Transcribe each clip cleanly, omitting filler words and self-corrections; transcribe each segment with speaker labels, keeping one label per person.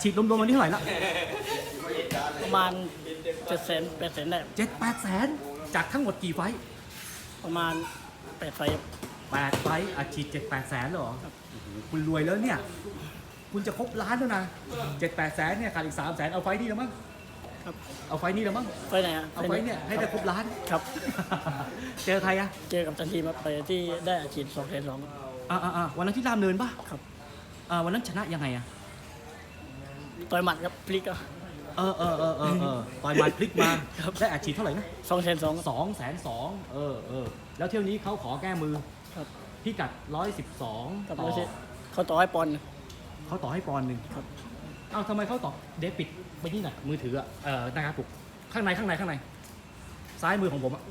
Speaker 1: ฉีดรวมๆวันนี้เท่าไหร่ละ
Speaker 2: ประมาณ700,000 800,000ได้
Speaker 1: 7-8 แสนจากทั้งหมดกี่ไฟ
Speaker 2: ประมาณ8 ไฟ
Speaker 1: 8 ไฟอาฉีด7-8 แสนเหรอโอ้โหคุณรวยแล้วเนี่ยคุณจะครบล้านแล้วนะ7-8 แสนเนี่ยขาดอีก3 แสนเอาไฟนี่แล้วมั้ง
Speaker 2: ครับ
Speaker 1: เอาไฟนี่แล้วมั้ง
Speaker 2: ไฟไหนอ่ะ
Speaker 1: เอาไฟเนี่ยให้ได้ครบล้าน
Speaker 2: ครับ
Speaker 1: เจอใครอะ
Speaker 2: เจอกับทันทีมาไปที่ได้อาชีพ200,002
Speaker 1: วันนั้นที่รามเนินป่ะ
Speaker 2: ครับ
Speaker 1: วันนั้นชนะยังไงอะ
Speaker 2: ต่อยหมัดครับพลิก
Speaker 1: ต่อยหมัดพลิกมาได้อาชีพเท่าไหร่นะ
Speaker 2: 202,002
Speaker 1: 202,000แล้วเที่ยวนี้เขาขอแก้มือ
Speaker 2: ครับ
Speaker 1: พิกัด112
Speaker 2: กับเขาต่อให้ปอนด์
Speaker 1: เขาต่อให้ปอนด์หนึ่ง
Speaker 2: ครับ
Speaker 1: ทำไมเขาต่อเดปิดไปนี่หน่อยมือถือนะครับปุ๊กข้างในซ้ายมือของผม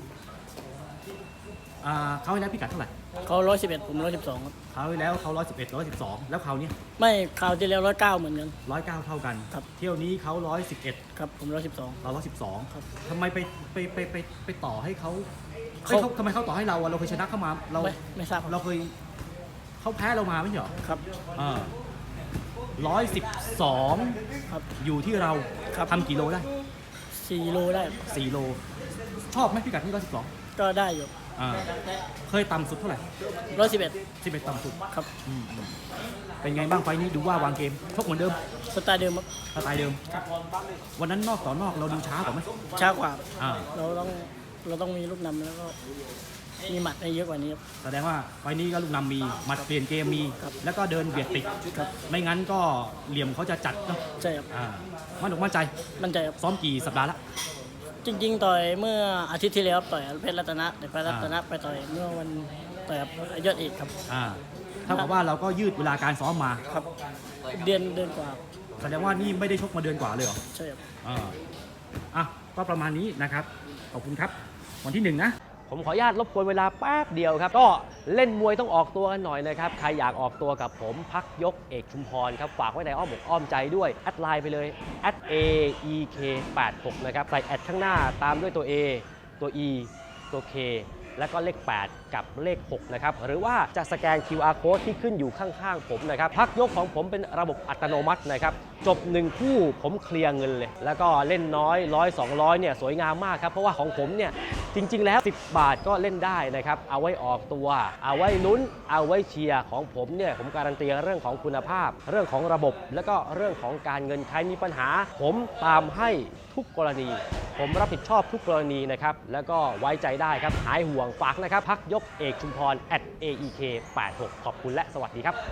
Speaker 1: เขาให้แล้วพิกัดเท่าไหร่
Speaker 2: เขา111ผม112ครับ
Speaker 1: เขาให้แล้วเขา111 112แล้วเขาเนี่ย
Speaker 2: ไม่คราวที่แล้ว109เหมือนกัน
Speaker 1: 109เท่ากัน
Speaker 2: ครับ
Speaker 1: เที่ยวนี้เขา111
Speaker 2: ครับผม112
Speaker 1: เรา112ครับทำไมไปต่อให้เขาทำไมเขาต่อให้เราเราเคยชนะเข้ามาเรา
Speaker 2: ไม่ทราบ
Speaker 1: เราเคยเขาแพ้เรามาไม่ใช่หรอ
Speaker 2: ครับ
Speaker 1: 112
Speaker 2: ครับ
Speaker 1: อยู่ที่เราทำกี่โลได้
Speaker 2: 4 โลได้
Speaker 1: 4 โลชอบไหมพิกัดที่112
Speaker 2: ก็ได้อยู่
Speaker 1: เคยต่ำสุดเท่าไหร่11ต่ำสุด
Speaker 2: ครับ
Speaker 1: เป็นไงบ้างไฟนี้ดูว่าวางเกมชกเหมือนเดิม
Speaker 2: สไตล์เดิมครับ
Speaker 1: สไตล์เดิมวันนั้นนอกต่อนอกเราดูช้ากว่าไหม
Speaker 2: ช้ากว่าเราต้องมีลูกนำแล้วก็มีหมัดให้เยอะกว่านี้ครับ
Speaker 1: แสดงว่าไฟนี้ก็ลูกนำมีหมัดเปลี่ยนเกมมีแล้วก็เดินเบียดติดไม่งั้นก็เหลี่ยมเขาจะจัดเนาะ
Speaker 2: ใช่ครับ
Speaker 1: มั่นใจ
Speaker 2: ครับ
Speaker 1: ซ้อมกี่สัปดาห์ละ
Speaker 2: จริงๆต่อยเมื่ออาทิตย์ที่แล้วต่อยเพชรรัตนะแต่เพชรรัตนะไปต่อยเมื่อวันต่อยยอดเอกครับ
Speaker 1: เท่ากับว่าเราก็ยืดเวลาการซ้อมมา
Speaker 2: ครับเดือนกว่า
Speaker 1: แสดงว่านี่ไม่ได้ชกมาเดือนกว่าเลยเหรอ
Speaker 2: ใช่ครับ
Speaker 1: ก็ประมาณนี้นะครับขอบคุณครับวันที่1นะ
Speaker 3: ผมขออนุญาตรบกวนเวลาแป๊บเดียวครับก็เล่นมวยต้องออกตัวกันหน่อยนะครับใครอยากออกตัวกับผมพักยกเอกชุมพรครับฝากไว้ในอ้อมอกอ้อมใจด้วยแอดไลน์ไปเลย@AEK86 นะครับใส่แอดข้างหน้าตามด้วยตัว A ตัว E ตัว K แล้วก็เลข8กับเลข6นะครับหรือว่าจะสแกน QR Code ที่ขึ้นอยู่ข้างๆผมนะครับพักยกของผมเป็นระบบอัตโนมัตินะครับจบ1คู่ผมเคลียร์เงินเลยแล้วก็เล่นน้อย100 200เนี่ยสวยงามมากครับเพราะว่าของผมเนี่ยจริงๆแล้ว10 บาทก็เล่นได้นะครับเอาไว้ออกตัวเอาไว้ลุ้นเอาไว้เชียร์ของผมเนี่ยผมการันตีเรื่องของคุณภาพเรื่องของระบบแล้วก็เรื่องของการเงินใครมีปัญหาผมตามให้ทุกกรณีผมรับผิดชอบทุกกรณีนะครับแล้วก็ไว้ใจได้ครับหายห่วงฝากนะครับพักยกเอกชุมพร@AEK86 ขอบคุณและสวัสดีครับ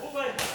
Speaker 3: เลย